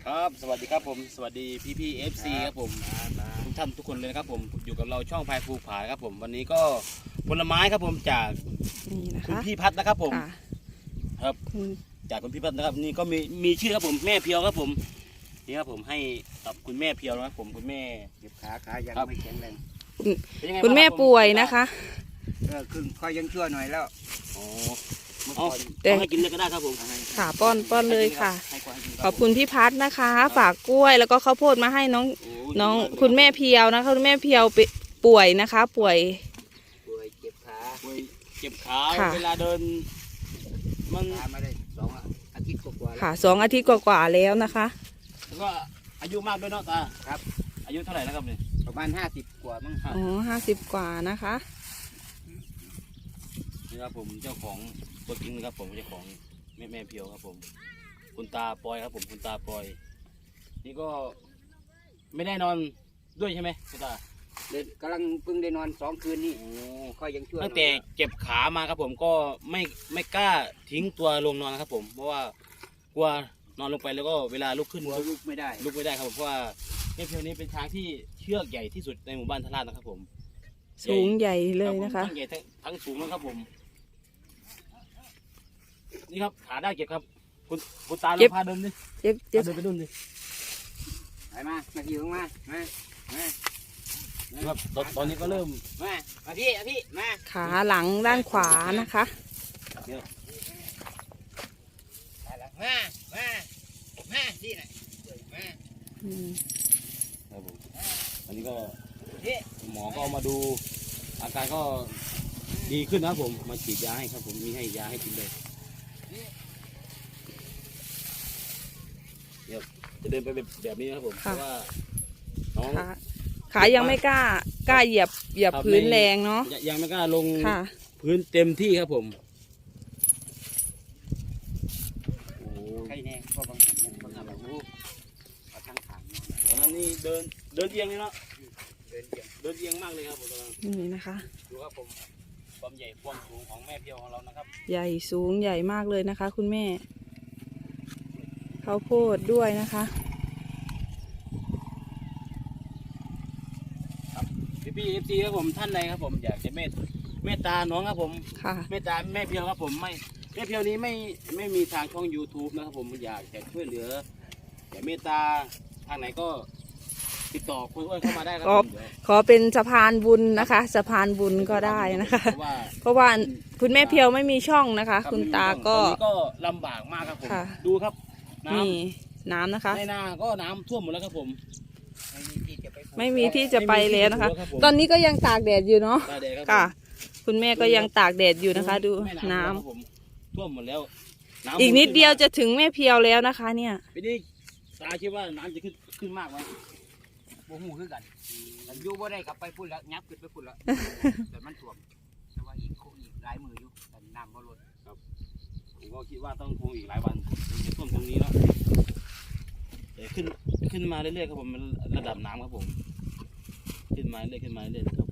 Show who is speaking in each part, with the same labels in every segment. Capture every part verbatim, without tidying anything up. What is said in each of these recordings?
Speaker 1: ครับสวัสดีครับผมสวัสดีพี่พี่เอฟซีครับผมทุกท่านทุกคนเลยนะครับผมอยู่กับเราช่องพายภูผาครับผมวันนี้ก็ผลไม้ครับผมจากคุณพี่พัฒนะครับผมครับจากคุณพี่พัฒนะครับนี่ก็มีมีชื่อครับผมแม่เพียวครับผมนี่ครับผมให้กับคุณแม่เพียวนะครับผมคุณแม่
Speaker 2: เจ็บขาขายังไม่แข็งแรง
Speaker 3: คุณแม่ป่วยนะคะ
Speaker 2: เออคือคอยยังชั่วหน่อยแล้ว
Speaker 1: อ๋อเอาให้กินเลยก็ได้ครับผม
Speaker 3: ค่ะป้อนป้อนเลยค่ะขอบคุณพี่พัฒนะคะฝากกล้วยแล้วก็ข้าวโพดมาให้น้องน้องคุณแม่เพียวนะคะคุณแม่เพียวป่วยนะคะป่วย
Speaker 2: ป่วยเจ็บขา
Speaker 1: ป่วยเจ็บขาเวลาเดินมัน
Speaker 2: มาได้สองอาทิตย์กว่า
Speaker 3: ค่ะสองอาทิตย์กว่าๆแล้วนะคะ
Speaker 1: แล้วก็อายุมากด้วยเนาะตา
Speaker 2: ครับ
Speaker 1: อายุเท่าไหร่แล้วครับเนี่ย
Speaker 2: ประมาณห้าสิบกว่ามั้ง
Speaker 3: อ๋อห้าสิบกว่านะคะ
Speaker 1: นี่ครับผมเจ้าของตัวจริงนะครับผมเจ้าของแม่แม่เพียวครับผมคุณตาปอยครับผมคุณตาปอยนี่ก็ไม่ได้นอนด้วยใช่ไหมคุณตา
Speaker 2: เด็กกำลังเพิ่งได้นอนสองคืนนี่ค่อยยังชั่ว
Speaker 1: ตั้งแต่เจ็บขามาครับผมก็ไม่ไม่กล้าทิ้งตัวลงนอนครับผมเพราะว่ากลัวนอนลงไปแล้วก็เวลาลุกขึ้น
Speaker 2: ลุกไม่ได้
Speaker 1: ลุกไม่ได้ครับผมเพราะว่าแม่เพียวนี้เป็นช้างที่เชือกใหญ่ที่สุดในหมู่บ้านทาราชนะครับผม
Speaker 3: สูงใหญ่เลยนะคะ
Speaker 1: ทั้งใหญ่ทั้งสูงนะครับผมนี่ครับขาได้เก็บครับคุณคุณตาลองพาเดินดิ
Speaker 3: เจ็บเจ็บ
Speaker 1: เดินไปดุนดิ
Speaker 2: ไปมามาพี่มามามา
Speaker 1: ครับตอนนี้ก็เริ่ม
Speaker 2: มามาพี่พี่มา
Speaker 3: ขาหลังด้านขวานะคะ
Speaker 2: มามามาที่ไหนมา
Speaker 1: ครับผมอันนี้ก็หมอก็มาดูอาการก็ดีขึ้นนะครับผมมาฉีดยาให้ครับผมมีให้ยาให้กินเลยเดี๋ยวจะเดินไปแบบนี้นะครับผมเพราะว่าน้อง
Speaker 3: ขายังไม่กล้ากล้าเหยียบเหยียบพื้นแรงเนาะ
Speaker 1: ยังไม่กล้าลงพื้นเต็มที่ครับผม
Speaker 2: ใครแน่ก็บางคนบางคนเราลูกเอาทั้งขา
Speaker 1: ตอนนั้นนี่เดินเดินเอียงเลยเนาะเดินเอียงเดินเอียงมากเลยครับผมตอนนั้น
Speaker 3: นี่นะคะ
Speaker 1: ดูครับผมความใหญ่ความสูงของแม่เพียวของเรานะครับ
Speaker 3: ใหญ่สูงใหญ่มากเลยนะคะคุณแม่ข้าวโพดด้วยนะคะ
Speaker 1: ครับพี่พี่เอฟซีครับผมท่านใดครับผมอยากจะเมตเมตตาน้องครับผมเมตตาแม่เพียวครับผมไม่แม่เพียวนี้ไม่ไม่มีทางช่อง ยูทูบ นะครับผมอยากจะช่วยเหลืออยากเมตตาทางไหนก็ติดต่อคุยเข้ามาได้ครับผม
Speaker 3: ขอเป็นสะพานบุญนะคะสะพานบุญก็ได้นะคะเพราะว่าคุณแม่เพียวไม่มีช่องนะคะคุณตาก็
Speaker 1: ก็ลำบากมากครับผมดูครับ
Speaker 3: นี่น้ำนะคะ
Speaker 1: ในนาก็น้ำท่วมหมดแล้วครับผม
Speaker 3: ไม่มีที่จะไปแล้วนะคะตอนนี้ก็ยังตากแดดอยู่เนาะค่ะคุณแม่ก็ยังตากแดดอยู่นะคะดูน้
Speaker 1: ำท่วมหมดแล้ว
Speaker 3: อีกนิดเดียวจะถึงแม่เพียวแล้วนะคะเนี่ย
Speaker 1: ปีนี้ตาคิดว่าน้ำจะขึ้นขึ้นมากไหม
Speaker 2: โอ้โหคือกันแต่ยูบ่ได้กลับไปพูดแล้วยับขึ้นไปพูดแล้วแต่มันท่วมแต่ว่าอีกคงอีกหลายมืออยู่แต่น้ำบ่ลด
Speaker 1: ครับผมก็คิดว่าต้องคงอีกหลายวันจะท่วมตรงนี้แล้วเดี๋ยวขึ้นขึ้นมาเรื่อยๆครับผมระดับน้ำครับผมขึ้นมาเรื่อยขึ้นมาเรื่อยครับ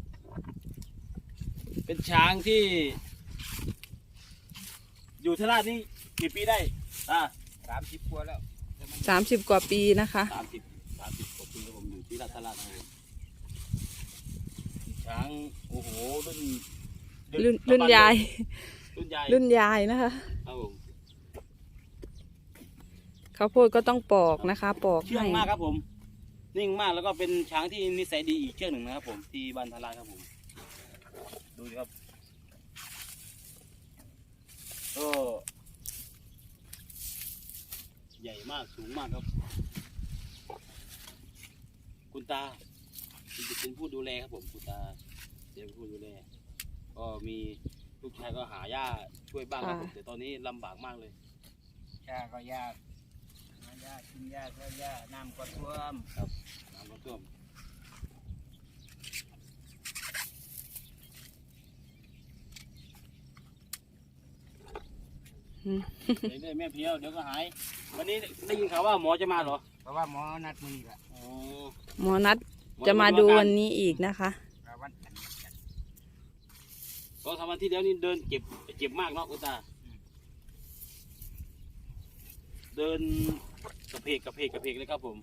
Speaker 1: เป็นช้างที่อยู่ทาราชนี่กี่ปีได้อ่า
Speaker 2: สามสิบกว่าแล้ว
Speaker 3: สามสิบกว่าปีนะคะ
Speaker 1: สามสิบสามสิบกว่าปีครับผมอยู่ที่ราชทาราชนะครับช้างโอ้โหรุ่น
Speaker 3: รุ่นรุ่นยาย
Speaker 1: รุ่นยาย
Speaker 3: รุ่นยายนะคะ
Speaker 1: ครับผม
Speaker 3: ข้าวโพดก็ต้องปอกนะคะปอก
Speaker 1: เชื่องมากครับผมนิ่งมากแล้วก็เป็นช้างที่นิสัยดีอีกเชือกหนึ่งนะครับผมที่บ้านทาราชครับผมดูสิครับก็ใหญ่มากสูงมากครับคุณตาเป็นผู้ดูแลครับผมคุณตาเป็นผู้ดูแลก็มีลูกชายก็หาหญ้าช่วยบ้างครับผมแต่ตอนนี้ลำบากมากเลย
Speaker 2: หญ้าก็ยากหญ้ากินหญ้าก็หญ้าน้ำก็ท่วม
Speaker 1: ครับน้ำก็ท่วมเรื่อยๆแม่เพียวเดี๋ยวก็หายวันนี้ได้ยินข่าวว่าหมอจะมาเหรอ
Speaker 2: เพราะว่าหมอนัดมือแหละ
Speaker 3: หมอนัดจะมาดูวันนี้อีกนะคะ
Speaker 1: ก็ทำวันที่แล้วนี่เดินเจ็บเจ็บมากเนาะคุณตาเดินกระเพกกระเพกกระเพกเลยครับผม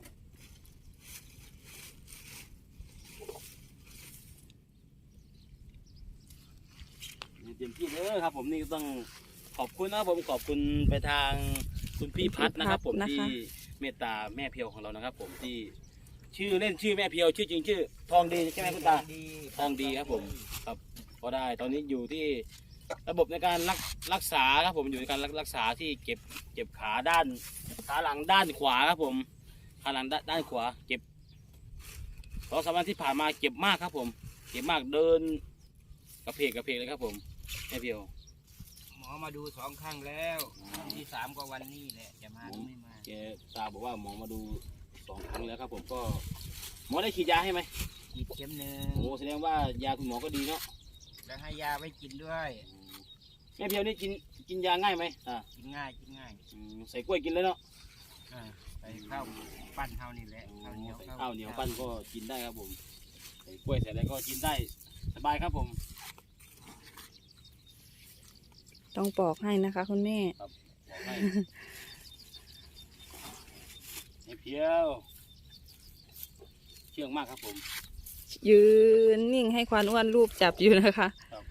Speaker 1: เต็มที่เลยครับผมนี่ต้องขอบคุณนะครับผมขอบคุณไปทางคุณพี่พัฒน์นะครับผมที่เมตตาแม่เพียวของเรานะครับผมที่ชื่อเล่นชื่อแม่เพียวชื่อจริงชื่อทองดีใช่ไหมคุณตาทองดีครับผมครับก็ได้ตอนนี้อยู่ที่ระบบในการรักรักษาครับผมอยู่ในการรักษาที่เก็บเก็บขาด้านขาหลังด้านขวาครับผมขาหลังด้านด้านขวาเก็บสองสามวันที่ผ่านมาเก็บมากครับผมเก็บมากเดินกระเพกกระเพกเลยครับผมแม่เพียว
Speaker 2: หมอมาดูสองครั้งแล้วครั้งที่สามก็วันนี้แหละจะมาหรือไม่มา
Speaker 1: แกตาบอกว่าหมอมาดูสองครั้งแล้วครับผมก็หมอได้ฉีดยาให้ไหม
Speaker 2: ฉีดเข็มหนึ่ง
Speaker 1: โอ้แสดงว่ายาคุณหมอก็ดีเนาะ
Speaker 2: แล้วให้ยาไว้กินด้วย
Speaker 1: แม่เพียวนี่กินกินยาง่ายไหมอ่า
Speaker 2: กินง่ายกินง่าย
Speaker 1: อืมใส่กล้วยกินเลยเนาะ
Speaker 2: อ่าใส่ข้าวปั้นเท่านี่แหละข้าวเหนียว
Speaker 1: ใส่ข้าวเหนียวปั้นก็กินได้ครับผมใส่กล้วยใส่อะไรก็กินได้สบายครับผม
Speaker 3: ต้องปอกให้นะคะ คุณแม่
Speaker 1: บอกให้แม่เพียวเชื่องมากครับผม
Speaker 3: ยืนนิ่งให้ควานอ้วนรูปจับอยู่นะคะ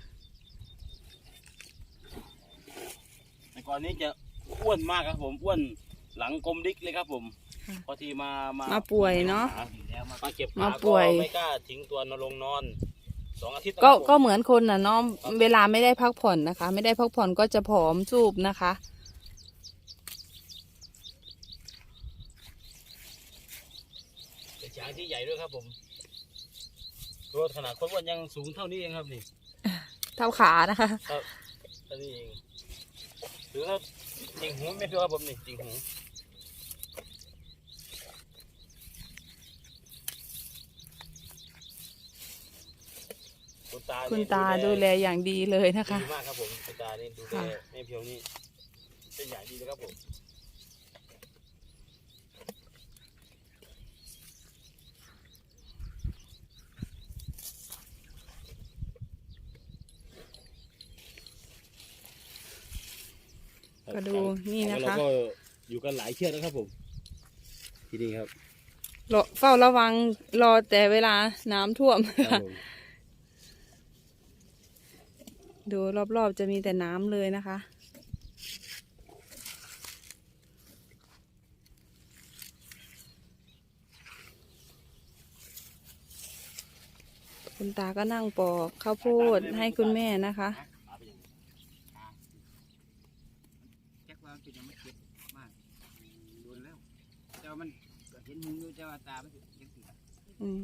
Speaker 1: แต่ก่อนนี้จะอ้วนมากครับผมอ้วนหลังกลมดิกเลยครับผม
Speaker 3: ค่ะ
Speaker 1: พอทีมามา
Speaker 3: มาป่วยเนาะ
Speaker 2: อยู่แล้วมา
Speaker 1: มาเก็บ
Speaker 3: มา
Speaker 1: ขา
Speaker 3: ป่วย
Speaker 1: ก็ไม่กล้าทิ้งตัวนอนลงนอนสองอาทิตย์
Speaker 3: ก็
Speaker 1: นะครับผม
Speaker 3: ก็เหมือนคนน่ะเนาะเวลาไม่ได้พักผ่อนนะคะ ไม่ได้พักผ่อนก็จะผอมจูบนะคะ
Speaker 1: เป็นช้างที่ใหญ่ด้วยครับผมตัวขนาดคนอ้วนยังสูงเท่านี้เองครับนี่
Speaker 3: เท่าขานะคะ
Speaker 1: ครับเท่านี้เองหรือถ้าจริงหูไม่เพียวครับผมนี่จริงหูคุณตา
Speaker 3: คุณตาดูแลอย่างดีเลยนะคะ
Speaker 1: ดีมากครับผมคุณตานี่ดูแลแม่เพียวนี่เป็นอย่างดีเลยครับผม
Speaker 3: ก็ดูนี่นะคะ
Speaker 1: เราก็อยู่กันหลายเชือกนะครับผมที่นี่ครับ
Speaker 3: รอเฝ้าระวังรอแต่เวลาน้ำท่วม
Speaker 1: ครับผม
Speaker 3: ดูรอบๆจะมีแต่น้ำเลยนะคะ คุณตาก็นั่งปอกข้าวโพดให้คุณแม่นะคะ
Speaker 2: แจ็คว่ามันเป็นยังไม่เก็บมากโดนแล้วเจ้ามันก็เห็นมึงอยู่เจ้าว่าตามันยังติด
Speaker 3: อืม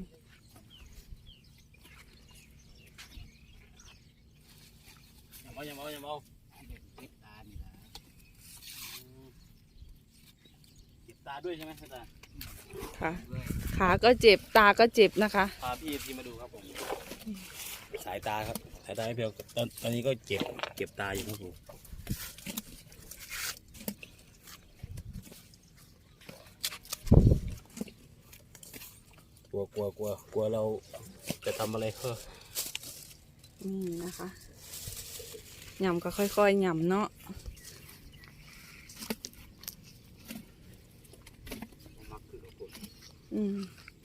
Speaker 1: อย่าเมาอย่าเมาอย่าเมา
Speaker 2: เก็บตานี่ละ
Speaker 1: เจ็บตาด้วยใช่ไหมคุณตา
Speaker 3: ค่ะ
Speaker 2: ด้วย
Speaker 3: ขาก็เจ็บตาก็เจ็บนะคะ
Speaker 1: พาพี่พี่มาดูครับผมสายตาครับสายตาไม่เพียวตอนตอนนี้ก็เจ็บเจ็บตาอยู่ครับผมกลัวกลัวกลัวกลัวเราจะทำอะไรเพ้อ
Speaker 3: นี่นะคะหย่ำก็ค่อยๆหย่ำเนาะ
Speaker 1: มักคือครับผม
Speaker 3: อืม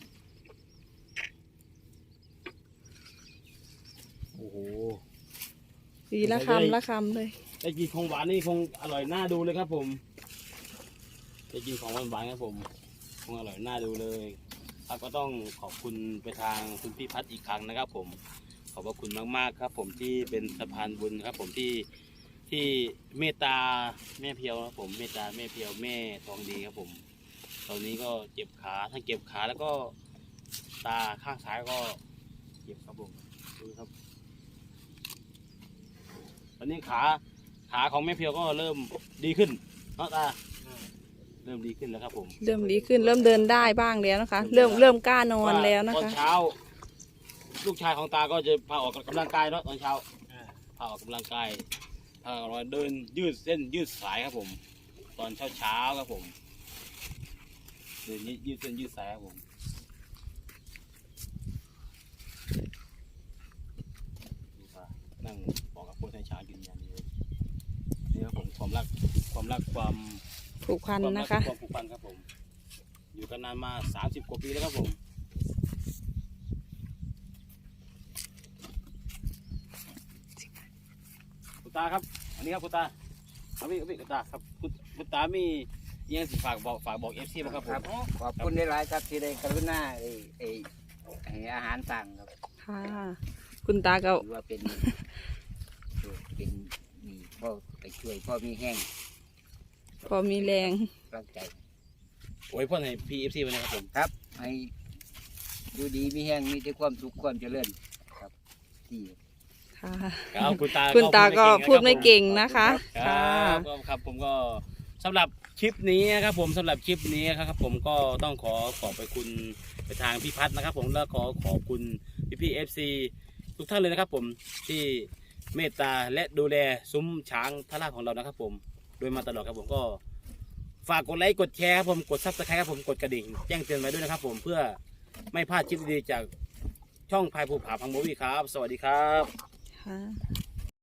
Speaker 1: โอ้โห
Speaker 3: ดีละคำละคำเลย
Speaker 1: ได้กินของหวานนี่คงอร่อยน่าดูเลยครับผมได้กินของหวานหวานๆครับผมคงอร่อยน่าดูเลยครับก็ต้องขอบคุณไปทางคุณพี่พัฒน์อีกครั้งนะครับผมขอบพระคุณมากๆครับผมที่เป็นสะพานบุญครับผมที่ที่เมตตาแม่เพียวครับผมเมตตาแม่เพียวแม่ทองดีครับผมตอนนี้ก็เจ็บขาทั้งเจ็บขาแล้วก็ตาข้างซ้ายก็เจ็บครับผมดูครับ ตอนนี้ขาขาของแม่เพียวก็เริ่มดีขึ้นเนาะตาเริ่มดีขึ้นแล้วครับผม
Speaker 3: เริ่มดีขึ้นเริ่มเดินได้บ้างแล้วนะคะ เริ่มเริ่มกล้านอนแล้วนะ
Speaker 1: ตอน
Speaker 3: คะ
Speaker 1: เช้า ลูกชายของตาก็จะพาออกกำลังกายเนาะตอนเช้าพาออกกำลังกายพาออกมาเดินยืดเส้นยืดสายครับผม ตอนเช้าเช้าๆครับผมเดินยืดเส้นยืดสายครับผมดูตานั่งบอกกับพวกนายช้างยืนยันเลยนี่ครับผมความรักความรักความ
Speaker 3: ผูกพัน
Speaker 1: ความรัก
Speaker 3: นะคะ
Speaker 1: ความผูกพันครับผมอยู่กันนานมาสามสิบกว่าปีแล้วครับผมคุณตาครับอันนี้ครับคุณตาเอาพี่เอาพี่คุณตาครับคุณคุณตามียังสิฝากบอกฝากบอกเอฟซีบ้างครับผม
Speaker 2: ขอบคุณได้หลายครับที่ได้กรุณาไอ้ไอ้ไอ้อาหารสั่งครับ
Speaker 3: ค่ะ คุณตาก็
Speaker 2: ถือว่าเป็นเป็นนี่พ่อไปช่วยพ่อมีแห้ง
Speaker 3: พอมีแรง
Speaker 2: รักใจ
Speaker 1: โอ้ยพ่อให้พีเอฟซีไปนะครับผม
Speaker 2: ครับให้ดูดีมีแห้งมีแต่ความสุขความเจริญครับที่
Speaker 3: ค่ะ
Speaker 1: ครับคุณตา
Speaker 3: คุณตาก็พูดไม่
Speaker 1: ง
Speaker 3: เก่งนะคะ
Speaker 1: ครั
Speaker 3: ค่ะ
Speaker 1: บก็ครับผมก็สำหรับคลิปนี้นะครับผมสำหรับคลิปนี้ครับผมก็ต้องขอขอบไปคุณไปทางพี่พัฒน์นะครับผมแล้วขอขอบคุณพี่พี่เอฟซีทุกท่านเลยนะครับผมที่เมตตาและดูแลซุ้มช้างทาราของเรานะครับผมโดยมาตลอดครับผมก็ฝากกดไลค์กดแชร์ครับผมกดซับสไครต์ครับผมกดกระดิ่งแจ้งเตือนไว้ด้วยนะครับผมเพื่อไม่พลาดคลิปดีๆจากช่องพายภูผาพังโบวี่ครับสวัสดีครับ
Speaker 3: ค่ะ